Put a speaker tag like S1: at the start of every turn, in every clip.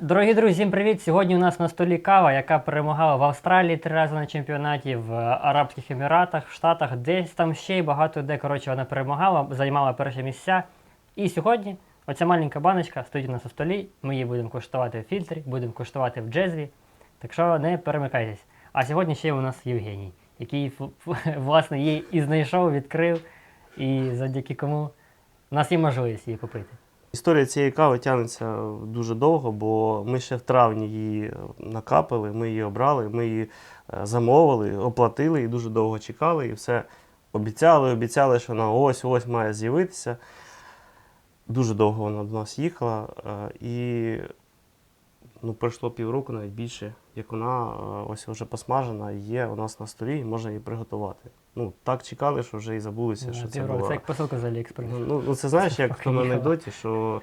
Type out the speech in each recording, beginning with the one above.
S1: Дорогі друзі, всім привіт! Сьогодні у нас на столі кава, яка перемагала в Австралії 3 рази на чемпіонаті, в Арабських Еміратах, в Штатах, десь там ще й багато де. Коротше, вона перемагала, займала перші місця. І сьогодні оця маленька баночка стоїть у нас на столі. Ми її будемо куштувати в фільтрі, будемо куштувати в джезві. Так що не перемикайтесь. А сьогодні ще у нас Євгеній, який, власне, її і знайшов, відкрив, і завдяки кому у нас є можливість її попити.
S2: Історія цієї кави тягнеться дуже довго, бо ми ще в травні її накапали, ми її обрали, ми її замовили, оплатили і дуже довго чекали. І все обіцяли, що вона ось-ось має з'явитися. Дуже довго вона до нас їхала і пройшло півроку, навіть більше, як вона ось вже посмажена і є у нас на столі, і можна її приготувати. Так чекали, що вже і забулися, що це було.
S1: Це як посилка з Аліекспрес.
S2: Це знаєш, як в тому анекдоті, що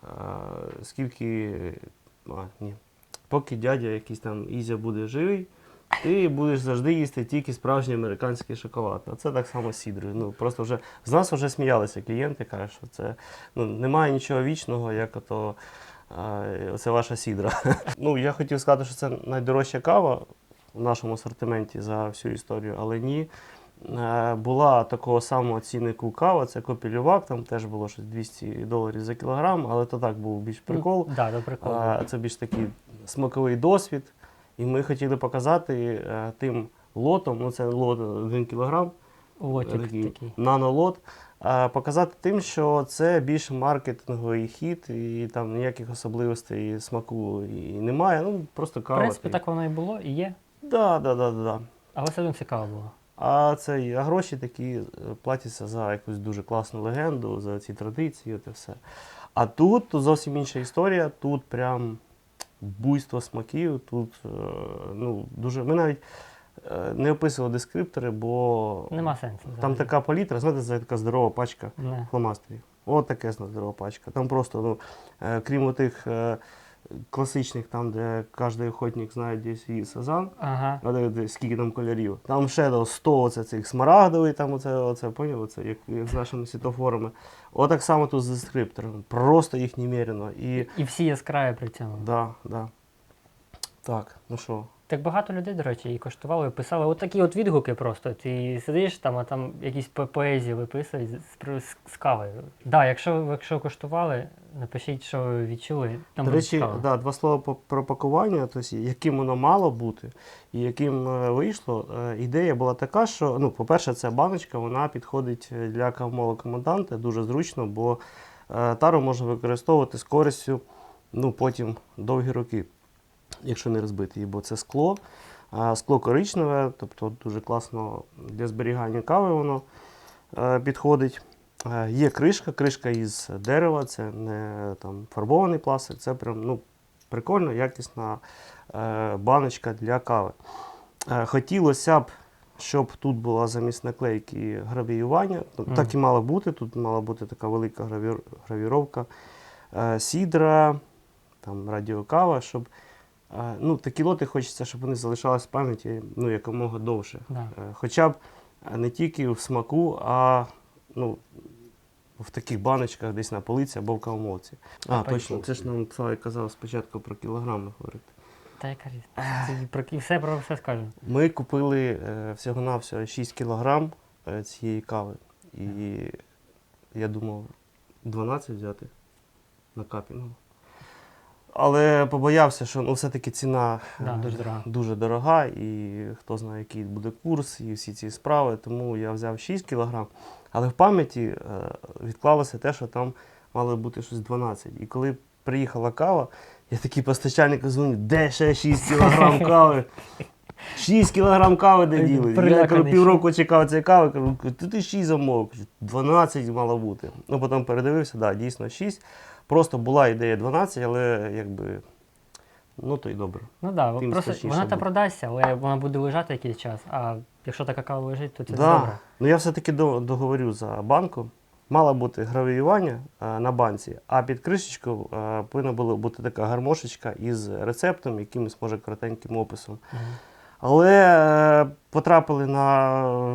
S2: поки дядя якийсь там Ізя буде живий, ти будеш завжди їсти тільки справжній американський шоколад. А це так само з сідрою. Просто вже з нас вже сміялися клієнти, кажуть, що це немає нічого вічного, як ото це ваша сідра. Я хотів сказати, що це найдорожча кава в нашому асортименті за всю історію, але ні. Була такого самого ціннику кава, це Копілювак, там теж було щось $200 за кілограм, але то так був більш прикол. Це більш такий смаковий досвід. І ми хотіли показати тим лотом, це лот 1 кілограм, такий нанолот, показати тим, що це більш маркетинговий хід і там ніяких особливостей смаку і немає, просто кава.
S1: В принципі, так воно і було, і є.
S2: Так.
S1: Але все одно цікаво було.
S2: А гроші такі платяться за якусь дуже класну легенду, за ці традиції, от і все. А тут зовсім інша історія, тут прям буйство смаків, тут дуже... Ми навіть не описували дескриптори, бо
S1: нема сенсу.
S2: Там така палітра, знаєте, це така здорова пачка фломастерів. От таке здорова пачка. Там просто, крім тих класичних, там, де кожен охотник знає, де свій сазан, скільки там кольорів. Там ще 100 цих смарагдовий, там поняв, як з нашими світофорами. Отак само тут з дескриптором. Просто їх немерено.
S1: І всі яскраві при цьому.
S2: Так. Так, що?
S1: Так багато людей, до речі, і коштували, писали отакі відгуки просто. Ти сидиш там, а там якісь поезії виписують з кавою. Якщо коштували, напишіть, що ви відчули.
S2: До речі, два слова про пакування, тобто, яким воно мало бути і яким вийшло. Ідея була така, що, по-перше, ця баночка, вона підходить для кавомолокоманданта, дуже зручно, бо тару можна використовувати з користю, потім довгі роки, якщо не розбити її, бо це скло. Скло коричневе, тобто дуже класно для зберігання кави воно підходить. Є кришка із дерева, це не фарбований пластик, це прям прикольно, якісна баночка для кави. Хотілося б, щоб тут була замість наклейки гравіювання, так і мало бути, тут мала бути така велика гравіровка, сідра, радіокава, щоб такі лоти хочеться, щоб вони залишались в пам'яті якомога довше. Хоча б не тільки в смаку, а в таких баночках десь на полиці або в кавомолці. Точно, це ж нам Славік казав спочатку про кілограми говорити.
S1: Та яка різниця? Про все скажемо.
S2: Ми купили всього-навсього 6 кілограм цієї кави. І я думав 12 взяти на капінгу. Але побоявся, що все-таки ціна дуже дорога, і хто знає, який буде курс, і всі ці справи. Тому я взяв 6 кг. Але в пам'яті відклалося те, що там мало бути щось 12. І коли приїхала кава, я такий постачальнику дзвоню, де ще 6 кг кави? 6 кг кави де діли? Я півроку чекав цієї кави, кажу, ти 6 замовив, 12 мало бути. Потім передивився, дійсно 6. Просто була ідея 12, але то й добре.
S1: Просто вона продасться, але вона буде лежати якийсь час, а якщо така кава лежить, то це добре.
S2: Я все-таки договорю за банку. Мало бути гравіювання на банці, а під кришечкою повинна була бути така гармошечка із рецептом, якимось, може, коротеньким описом. Але потрапили на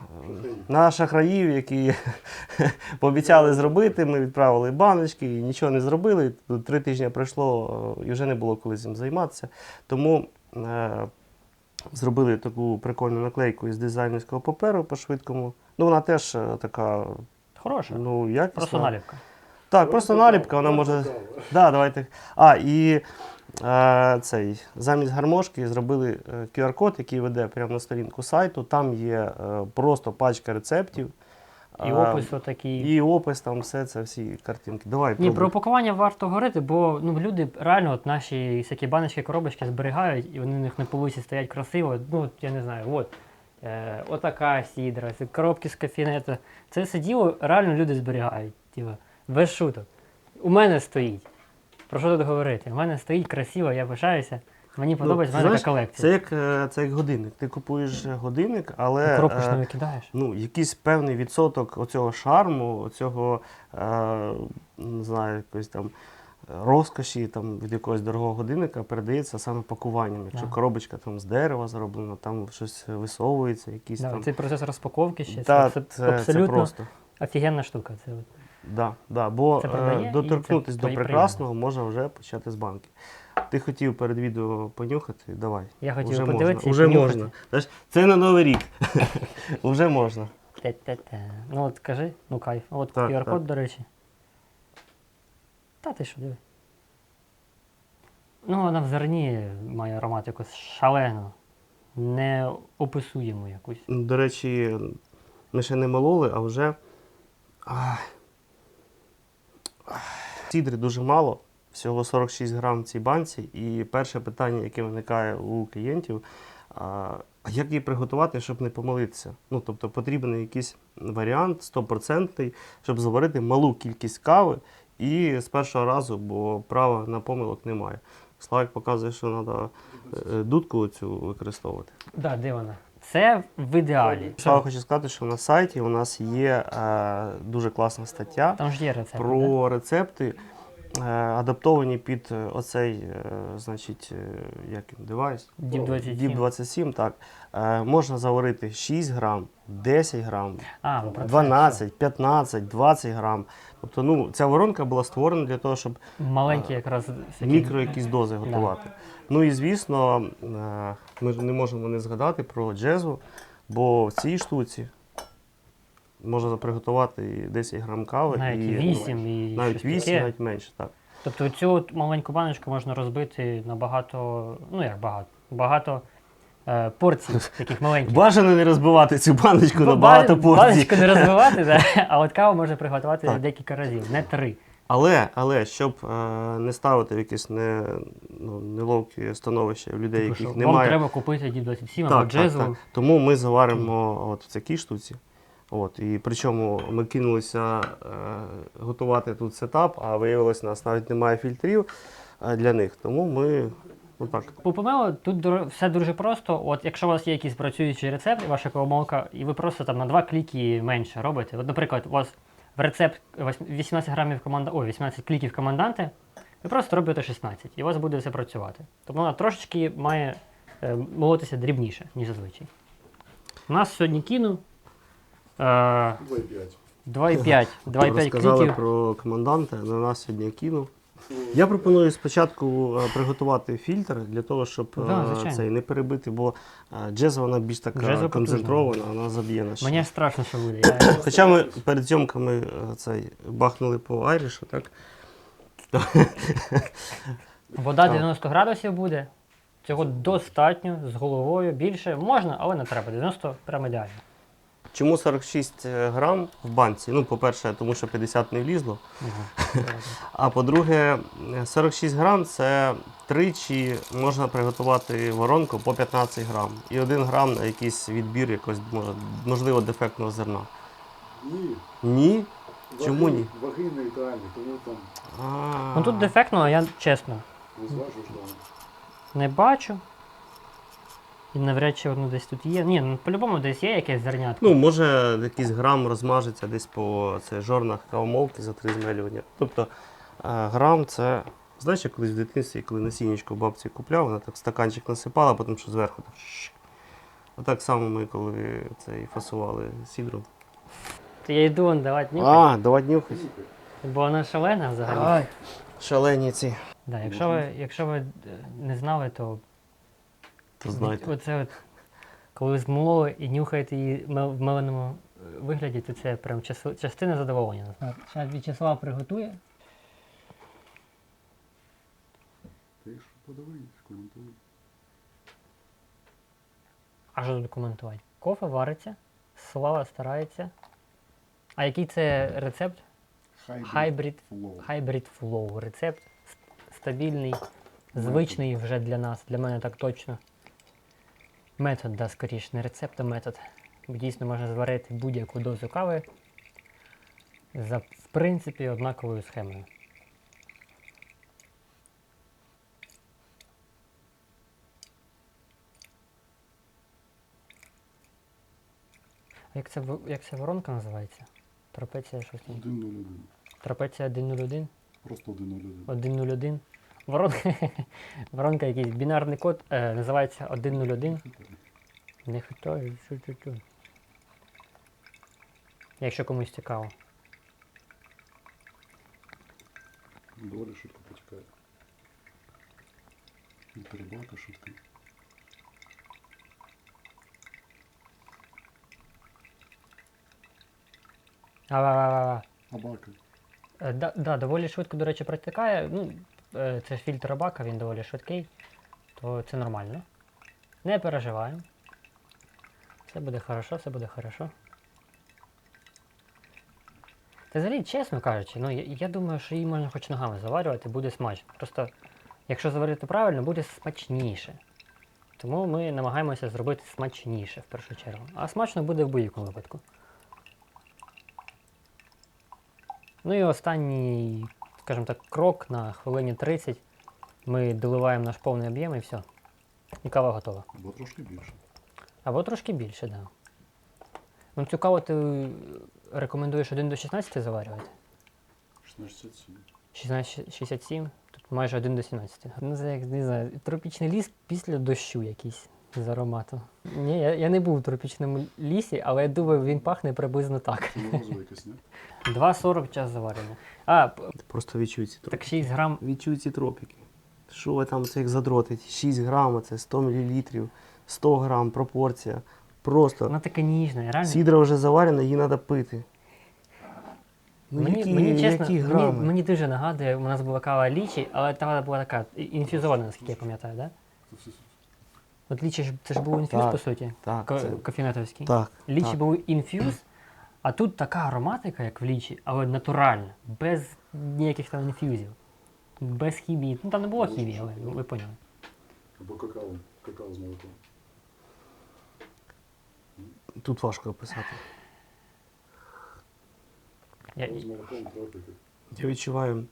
S2: на шахраїв, які пообіцяли зробити, ми відправили баночки і нічого не зробили. 3 тижні пройшло і вже не було коли цим займатися. Тому зробили таку прикольну наклейку із дизайнерського паперу по-швидкому. Ну, вона теж така,
S1: Хороша.
S2: ну, якісна.
S1: Просто наліпка.
S2: Так, просто наліпка, вона може. Да, давайте. І замість гармошки зробили QR-код, який веде прямо на сторінку сайту. Там є просто пачка рецептів.
S1: І опис отакий.
S2: І опис, там все це, всі картинки. Давай,
S1: Ні,
S2: пробуй.
S1: про упакування варто говорити, бо ну, люди реально от наші всякі баночки, коробочки зберігають, і вони в них на полиці стоять красиво. Ну, я не знаю, от. Отака сідра, це коробки з кофінету. Це все діло реально люди зберігають. Тіва, без шуток. У мене стоїть. Про що тут говорити? У мене стоїть красиво, я пишаюся. Мені подобається, в мене така колекція.
S2: Це як годинник. Ти купуєш годинник, але
S1: Коробку ж не викидаєш.
S2: ну, якийсь певний відсоток оцього шарму, оцього, не знаю, якоїсь там розкоші там, від якогось дорогого годинника передається саме пакуванням. Якщо
S1: Да.
S2: коробочка там з дерева зроблена, там щось висовується, якісь
S1: Да,
S2: там.
S1: цей процес розпаковки ще.
S2: Та,
S1: це
S2: це
S1: абсолютно
S2: просто.
S1: офігенна штука. Це от.
S2: Да, бо
S1: Це продає, і
S2: доторкнутися
S1: це
S2: до
S1: твої
S2: прекрасного можна вже почати з банки. Ти хотів перед відео понюхати, давай.
S1: Я хотів
S2: Уже
S1: подивитися і
S2: Уже
S1: понюхати.
S2: можна. Знаєш, це на Новий рік. Уже можна.
S1: Те-те-те. Ну от кажи, ну кайф. От
S2: Так,
S1: QR-код,
S2: так.
S1: до речі. Та ти що, диви. Ну, вона в зерні має аромат якось шалену, неописуємо якусь.
S2: До речі, ми ще не мололи, а вже. Сідри дуже мало, всього 46 грам в цій банці. І перше питання, яке виникає у клієнтів, а як її приготувати, щоб не помилитися? Ну, тобто потрібен якийсь варіант 100%, щоб заварити малу кількість кави і з першого разу, бо права на помилок немає. Славик показує, що треба дудку цю використовувати.
S1: Да, де вона? Це в ідеалі.
S2: Слава хочу сказати, що на сайті у нас є дуже класна стаття
S1: Там ж є рецепт.
S2: про рецепти, адаптовані під оцей, значить, як він, девайс?
S1: Діп 27.
S2: Діп 27, так. Можна заварити 6 грам, 10 грам,
S1: А, ну, про це
S2: 12, 15, 20 грам. Тобто, ну, ця воронка була створена для того, щоб
S1: все. Маленькі якраз всякі-
S2: мікро якісь дози готувати. Ну і звісно, ми ж не можемо не згадати про джезву, бо в цій штуці можна приготувати і 10 грам кави,
S1: навіть
S2: і
S1: 8 і
S2: навіть
S1: щось
S2: 8,
S1: таке.
S2: навіть менше. Так.
S1: Тобто цю от маленьку баночку можна розбити на багато, ну як багато порцій таких маленьких.
S2: Бажано не розбивати цю баночку на
S1: Ба-
S2: багато порцій.
S1: Баночку не розбивати, да? А от каву можна приготувати
S2: Так.
S1: декілька разів, не 3.
S2: Але щоб не ставити в якесь неловке становище в людей,
S1: Типу, що
S2: яких
S1: вам
S2: немає.
S1: треба купити Діп 27 або джезву.
S2: Тому ми заваримо от в такій штуці. От, і причому ми кинулися готувати тут сетап, а виявилось, у нас навіть немає фільтрів для них. Тому ми отак.
S1: По помелу тут все дуже просто. От якщо у вас є якийсь працюючий рецепт, ваша кавомолка, і ви просто там на 2 кліки менше робите. От, наприклад, у вас в рецепт 18 грамів 18 кліків команданти, ви просто робите 16, і у вас буде все працювати. Тобто вона трошечки має молотися дрібніше, ніж зазвичай. У нас сьогодні кіну 2,5
S2: Розказали
S1: кліків.
S2: про команданта, на нас сьогодні кинув. Я пропоную спочатку приготувати фільтр для того, щоб
S1: Да, звичайно.
S2: цей не перебити, бо джеза вона більш така
S1: Джеза
S2: концентрована, вона заб'є наш.
S1: Мені аж страшно, що буде. Я...
S2: Хоча ми перед зйомками цей бахнули по айрішу, так?
S1: Вода 90 градусів буде. Цього достатньо, з головою. Більше можна, але не треба. 90 прямо ідеально.
S2: Чому 46 грам в банці? Ну, по-перше, тому що 50 не влізло. А по-друге, 46 грам це тричі можна приготувати воронку по 15 грам. І 1 грам на якийсь відбір якогось, можливо, дефектного зерна.
S3: Ні.
S2: Ні? Чому ні?
S3: Ваги нейтральні, тому там
S1: Ну тут дефектно, я чесно
S3: не зважиш там.
S1: не бачу. І навряд чи воно десь тут є. Ні, ну по-любому десь є якесь зернятко.
S2: Ну, може, якийсь грам розмажеться десь по жорнах кавомолки за 3 змелювання. Тобто грам це. Знаєш, я колись в дитинстві, коли насіннячко бабці купляв, вона так в стаканчик насипала, потім що зверху так. А так само ми, коли це і фасували сідру.
S1: То я йду он давати нюхати,
S2: давай нюхать.
S1: бо вона шалена взагалі.
S2: Ай, шалені ці.
S1: Да, якщо ви не знали, то
S2: То знаєте.
S1: оце от, коли змололи і нюхаєте її в меленому вигляді, то це прям частина задоволення. Зараз В'ячеслав приготує.
S3: Ти ж подивись, коментуй.
S1: А що тут коментувати? Кофе вариться, Слава старається. А який це рецепт? Hybrid Flow. Рецепт стабільний, звичний вже для нас, для мене так точно. Метод, да, скоріше, не рецепт, а метод. Дійсно можна зварити будь-яку дозу кави за, в принципі, однаковою схемою. А як ця воронка називається? Трапеція щось там.
S3: 1-0-1.
S1: Трапеція 101?
S3: Просто 1-0-1.
S1: 101. Воронка, воронка якийсь бінарний код, називається 101. Не хитай, що. Якщо комусь цікаво.
S3: Доволі швидко потікає. І перебака швидка.
S1: А-ва-ва-ва-ва.
S3: Абака.
S1: Да, доволі швидко, до речі, протікає. Ну, це ж фільтр Абака, він доволі швидкий, то це нормально. Не переживаємо. Все буде хорошо, все буде хорошо. Та взагалі, чесно кажучи, ну я думаю, що її можна хоч ногами заварювати, буде смачно. Просто, якщо заварити правильно, буде смачніше. Тому ми намагаємося зробити смачніше в першу чергу. А смачно буде в будь-якому випадку. Ну і останній, скажімо так, крок на хвилині 30. Ми доливаємо наш повний об'єм і все. І кава готова.
S3: Або трошки більше.
S1: Або трошки більше, так. Да. Ну цю каву ти рекомендуєш 1 до 16 заварювати?
S3: 16-67.
S1: 16,67, тут майже 1 до 17. Ну, це як, не знаю, тропічний ліс після дощу якийсь з аромату. Ні, я не був у тропічному лісі, але я думаю, він пахне приблизно так.
S3: Це морозиво якесь, ні?
S1: 2,40 час заварення. А,
S2: Просто відчуй ці тропіки.
S1: так 6 грам.
S2: Відчуй ці тропіки. Що ви там цих задротить? 6 грам, це 100 мл, 100 грам, пропорція. Просто.
S1: Вона така ніжна, реально.
S2: Сідра вже заварена, її треба пити. Ну,
S1: Мені чесно,
S2: які грами?
S1: мені дуже нагадує, у нас була кава лічі, але та була така інфюзована, наскільки я пам'ятаю, да?
S3: Це все.
S1: От лічі ж це ж був інфюз,
S2: Так,
S1: по суті,
S2: Так, це...
S1: кофінетовський.
S2: так.
S1: Лічі
S2: так.
S1: був інфюз, а тут така ароматика, як в лічі, але натуральна, без ніяких там інфюзів, без хімії. Ну там не було хімії, але ви поняли.
S3: Або какао. Какао з молоком.
S2: Тут важко описати.
S3: Какао з молоком, тропіки.
S2: Я відчуваю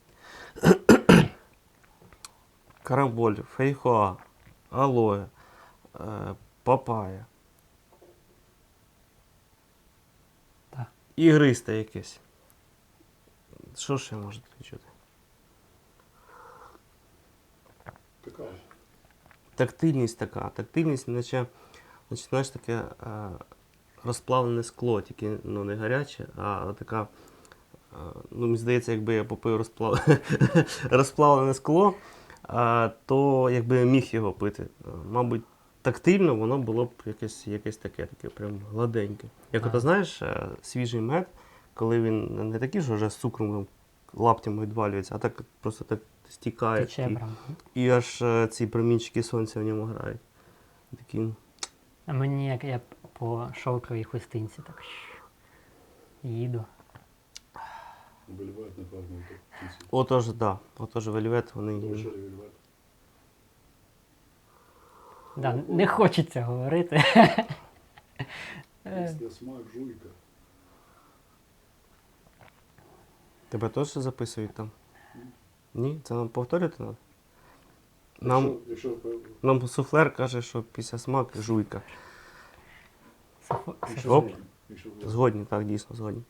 S2: карамболь, фейхоа, алоє, папая.
S1: Так.
S2: Ігристе якесь. Що ще можете відчути?
S3: Какао.
S2: Тактильність така. Тактильність, наче знаєш, таке розплавлене скло, тільки ну, не гаряче, а така. Ну, мені здається, якби я попив розплавлене скло, то якби я міг його пити. Мабуть, тактильно воно було б якесь таке прям гладеньке. Як ото знаєш, свіжий мед, коли він не такий, що вже з цукром лаптями відвалюється, а так просто так стікає.
S1: Тече прям.
S2: І аж ці промінчики сонця в ньому грають. Такі.
S1: А мені як я по шовковій хустинці так їду.
S3: Вельвет, напевно, в кінці.
S2: Отож, так. Да. Отож, вельвет, вони.
S3: Вечері вельвет.
S1: Да, не хочеться говорити.
S3: Після смак жуйка.
S2: Тебе теж записують там? Ні? Це нам повторювати треба? Нам,
S3: Якщо
S2: нам суфлер каже, що після смак жуйка. Оп.
S3: згодні.
S2: Згодні, так, дійсно, згодні.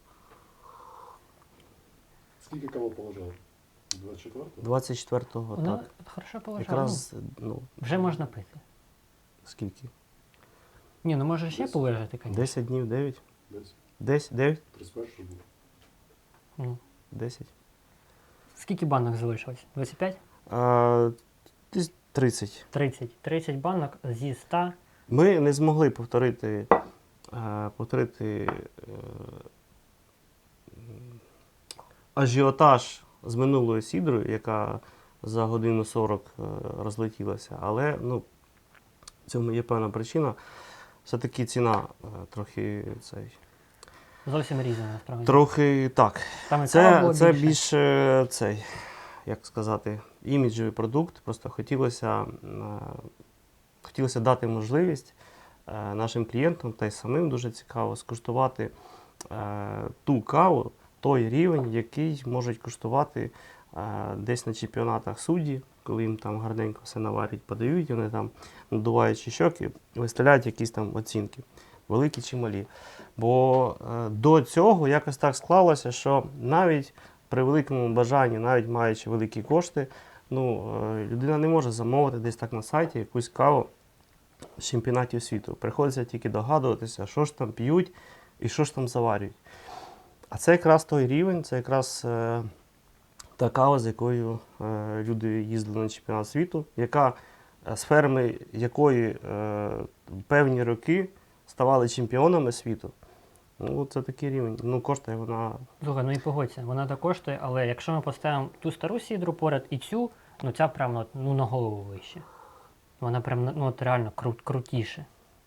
S3: Скільки каву положив? 24-го?
S2: 24-го,
S1: Воно
S2: так.
S1: хорошо положено.
S2: Якраз, ну,
S1: Вже можна пити.
S2: скільки?
S1: Ні, ну може ще
S3: 10.
S1: полежати, звісно.
S2: 10 днів, 9?
S3: Десь.
S2: 10, 9,
S3: 31 було.
S1: Ну.
S2: 10.
S1: Скільки банок залишилось? 25?
S2: Десь 30.
S1: 30. 30 банок зі 100.
S2: Ми не змогли повторити ажіотаж з минулою сідрою, яка за годину 40 розлетілася. Але ну, в цьому є певна причина. Все-таки ціна трохи цей.
S1: Зовсім різні, насправді.
S2: Трохи так.
S1: Там і кава було
S2: Це
S1: більше.
S2: більше цей, як сказати, іміджовий продукт. Просто хотілося дати можливість нашим клієнтам та й самим дуже цікаво скуштувати ту каву, той рівень, який можуть куштувати десь на чемпіонатах судді, коли їм там гарненько все наварять, подають, вони там, надуваючи щоки, виставляють якісь там оцінки, великі чи малі. Бо до цього якось так склалося, що навіть при великому бажанні, навіть маючи великі кошти, людина не може замовити десь так на сайті якусь каву з чемпіонатів світу. Приходиться тільки догадуватися, що ж там п'ють і що ж там заварюють. А це якраз той рівень, це якраз та кава, з якою люди їздили на чемпіонат світу, з ферми якої певні роки ставали чемпіонами світу. Ну, це такий рівень. Коштує вона.
S1: Слухай, ну і погодься, вона так коштує, але якщо ми поставимо ту стару сідру поряд і цю, ця прям на голову вище. Вона прям реально крутіше.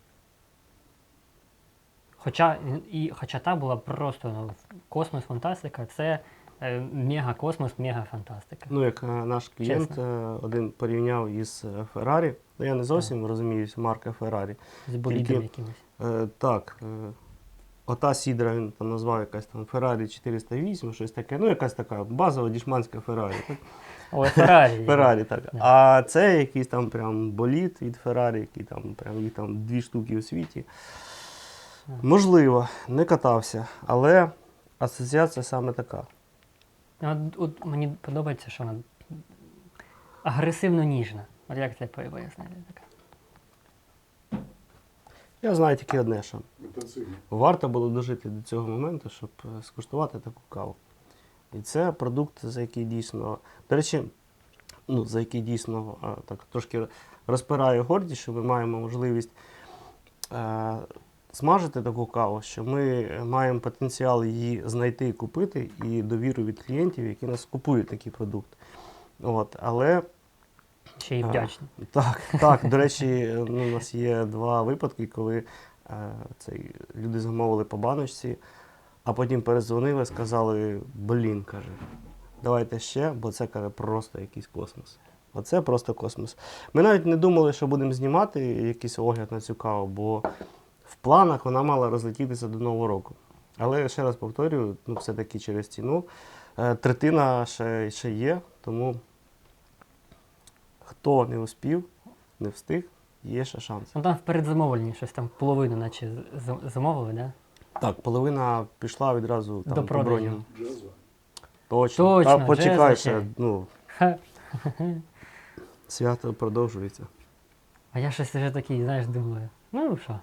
S1: Хоча та була просто космос, фантастика, це мега-космос, мега-фантастика.
S2: Як наш клієнт один порівняв із Феррарі. Я не зовсім розумію марка Феррарі.
S1: З болідом якимось.
S2: Так. Ота сідра він там назвав якась там Феррарі 408, щось таке. Якась така базова дішманська Феррарі.
S1: Ой, Феррарі.
S2: Феррарі, так.
S1: Да.
S2: А це якийсь там прям болід від Феррарі, який там прям їх там 2 штуки у світі. Можливо, не катався, але асоціація саме така.
S1: От мені подобається, що вона агресивно ніжна. От як це пояснити?
S2: Я знаю тільки одне, що
S3: Інтенсивно.
S2: варто було дожити до цього моменту, щоб скуштувати таку каву. І це продукт, за який дійсно, до речі, за який дійсно так трошки розпираю гордість, що ми маємо можливість смажити таку каву, що ми маємо потенціал її знайти і купити, і довіру від клієнтів, які нас купують такий продукт. Але
S1: Ще й вдячні.
S2: Так, до речі, у нас є 2 випадки, коли люди замовили по баночці, а потім передзвонили, сказали, каже, давайте ще, бо це, каже, просто якийсь космос. Оце просто космос. Ми навіть не думали, що будемо знімати якийсь огляд на цю каву, бо в планах вона мала розлетітися до Нового року. Але, ще раз повторюю, все-таки через ціну. Третина ще є, тому хто не успів, не встиг, є ще шанс.
S1: Там в передзамовленні щось там половину наче замовили, да?
S2: Так, половина пішла відразу
S1: До
S2: там, по
S1: продажу.
S2: броням.
S3: Джазва.
S2: Точно. Та почекай
S1: джезва
S2: ще.
S1: Ха.
S2: Свято продовжується.
S1: А я щось вже такий, знаєш, думаю. Що?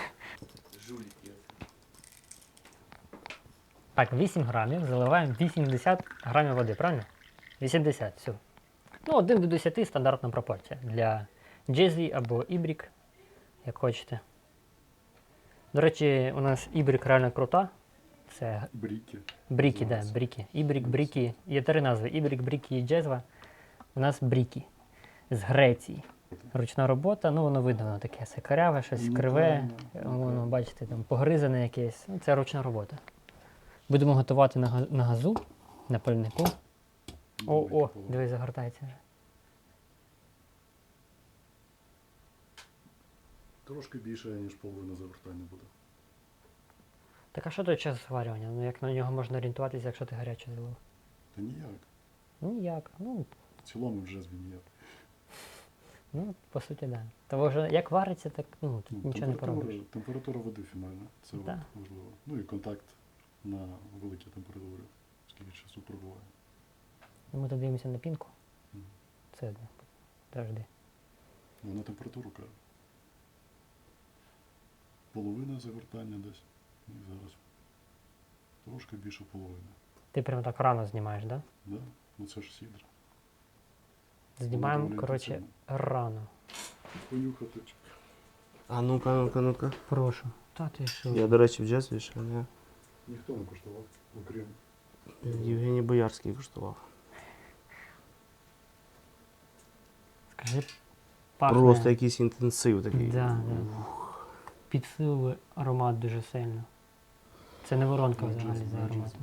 S1: Так, 8 грамів, заливаємо 80 грамів води, правильно? 80, все. 1 до 10 стандартна пропорція для джезві або ібрік, як хочете. До речі, у нас ібрік реально крута. Це
S3: Бріки.
S1: бріки, да, бріки. Ібрік, бріки. Є 3 назви. Ібрік, бріки і джезва. У нас бріки. З Греції. Ручна робота, воно видно, воно таке сикаряве, щось криве. Воно, бачите, там погризане якесь. Це ручна робота. Будемо готувати на газу, на пальнику. О, дивись, загортається вже.
S3: Трошки більше, ніж половина завертання буде.
S1: Так а що той час зварювання? Як на нього можна орієнтуватися, якщо ти гаряче залив?
S3: Та ніяк.
S1: Ніяк.
S3: В цілому вже ніяк.
S1: По суті, так. Да. Тому вже як вариться, так тут нічого не поробиш.
S3: Температура води фінальна. Це
S1: Да.
S3: важливо. І контакт на великій температурі, скільки часу пробуває.
S1: Ми тут дивимося на пінку.
S3: Мгм.
S1: Це одне. Завжди.
S3: На температуру каже. половина загортання десь. І зараз трошки більше половини.
S1: Ти прямо так рано знімаєш, так? Да?
S3: Да? Ну це ж сідра.
S1: Знімаємо,
S3: Доволі
S1: коротше,
S3: інтенсивно.
S1: рано.
S3: Понюхати.
S2: А ну-ка, ну-ка, ну-ка.
S1: Прошу. Та ти що?
S2: Я, до речі, в джезві ще не.
S3: Ніхто не куштував, окрім.
S2: Євгеній Боярський коштував.
S1: Скажи, пахне.
S2: Просто якийсь інтенсив такий.
S1: Да, да. Підсилує аромат дуже сильно. Це не воронка
S3: Ну,
S1: взагалі
S3: джаз,
S1: за
S3: ну,
S1: ароматом.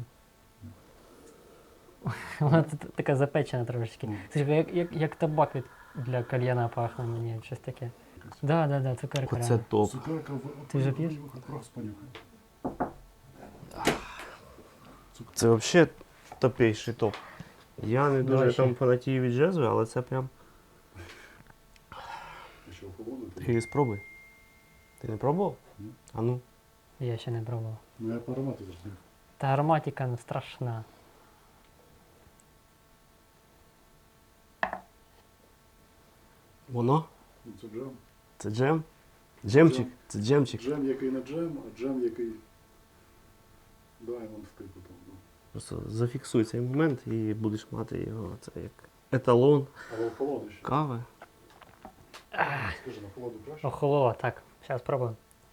S1: Вона тут така запечена трошечки.
S3: Ну.
S1: Слухай, як табак для кальяна пахне мені, щось таке. Да, цукерка.
S2: Оце
S1: реально.
S2: топ.
S3: Цукерка
S1: Ти вже п'єш?
S3: Просто понюхай.
S2: Це взагалі топейший топ. Я не дуже
S1: Давай ще.
S2: там фанатію від джезу, але це прям.
S3: Ще охолодити.
S2: Ти спробуй. Ти не пробував?
S3: Ні.
S2: А ну.
S1: Я ще не пробував.
S3: Ну я по аромату зрозумів.
S1: Та ароматика ну, страшна.
S2: Воно?
S3: Ну, це джем.
S2: Це джем? Джемчик?
S3: Джем.
S2: Це джемчик.
S3: Джем, який не джем, а джем, який даймонд типу там. Ну.
S2: Просто зафіксуй цей момент і будеш мати його. Це як еталон
S3: Але охолоди ще.
S2: кави.
S3: Скажи, на холоду краще?
S1: Охололо, так. Зараз спробуємо.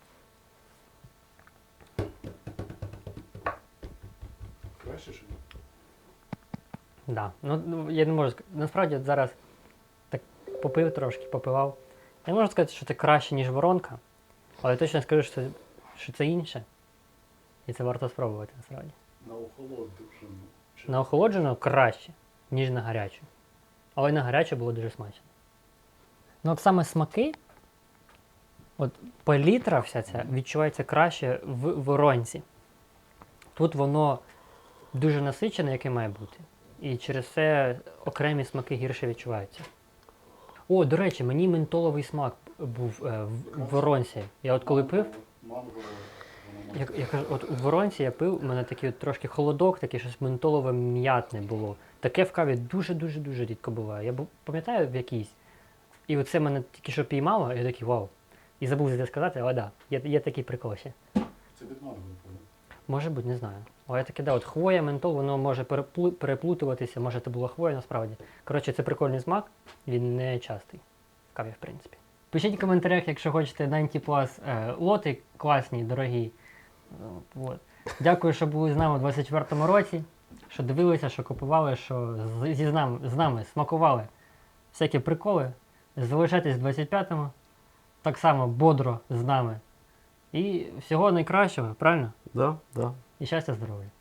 S3: Краще чи ні?
S1: Да. Ну, я не можу сказати. Насправді от зараз так попив трошки, попивав. Я не можу сказати, що це краще, ніж воронка, але точно скажу, що це інше. І це варто спробувати насправді.
S3: На охолоду вже. Ну, чи-
S1: На охолоджену краще, ніж на гарячу. Але й на гарячу було дуже смачно. Ну от саме смаки, от палітра вся ця відчувається краще в воронці. Тут воно дуже насичене, яке має бути. І через це окремі смаки гірше відчуваються. О, до речі, мені ментоловий смак був в воронці. Я от коли пив,
S3: Манго, воно
S1: я кажу, от у воронці я пив, у мене такий от трошки холодок, таке щось ментолове м'ятне було. Таке в каві дуже-дуже-дуже рідко буває. Я пам'ятаю в якійсь. І оце мене тільки що піймало, і я такий вау. І забув це сказати, але да, є такий прикол ще.
S3: Це від манго, напевно.
S1: Може бути, не знаю. Але я таке, да, от хвоя, ментол, воно може переплутуватися, може це була хвоя насправді. Коротше, це прикольний смак, він не частий в каві, в принципі. Пишіть в коментарях, якщо хочете 90 Plus лоти класні, дорогі. От. Дякую, що були з нами у 24-му році, що дивилися, що купували, що з нами смакували всякі приколи. Залишайтесь в 25-му, так само бодро з нами. І всього найкращого, правильно?
S2: Да, да.
S1: І щастя, здоров'я.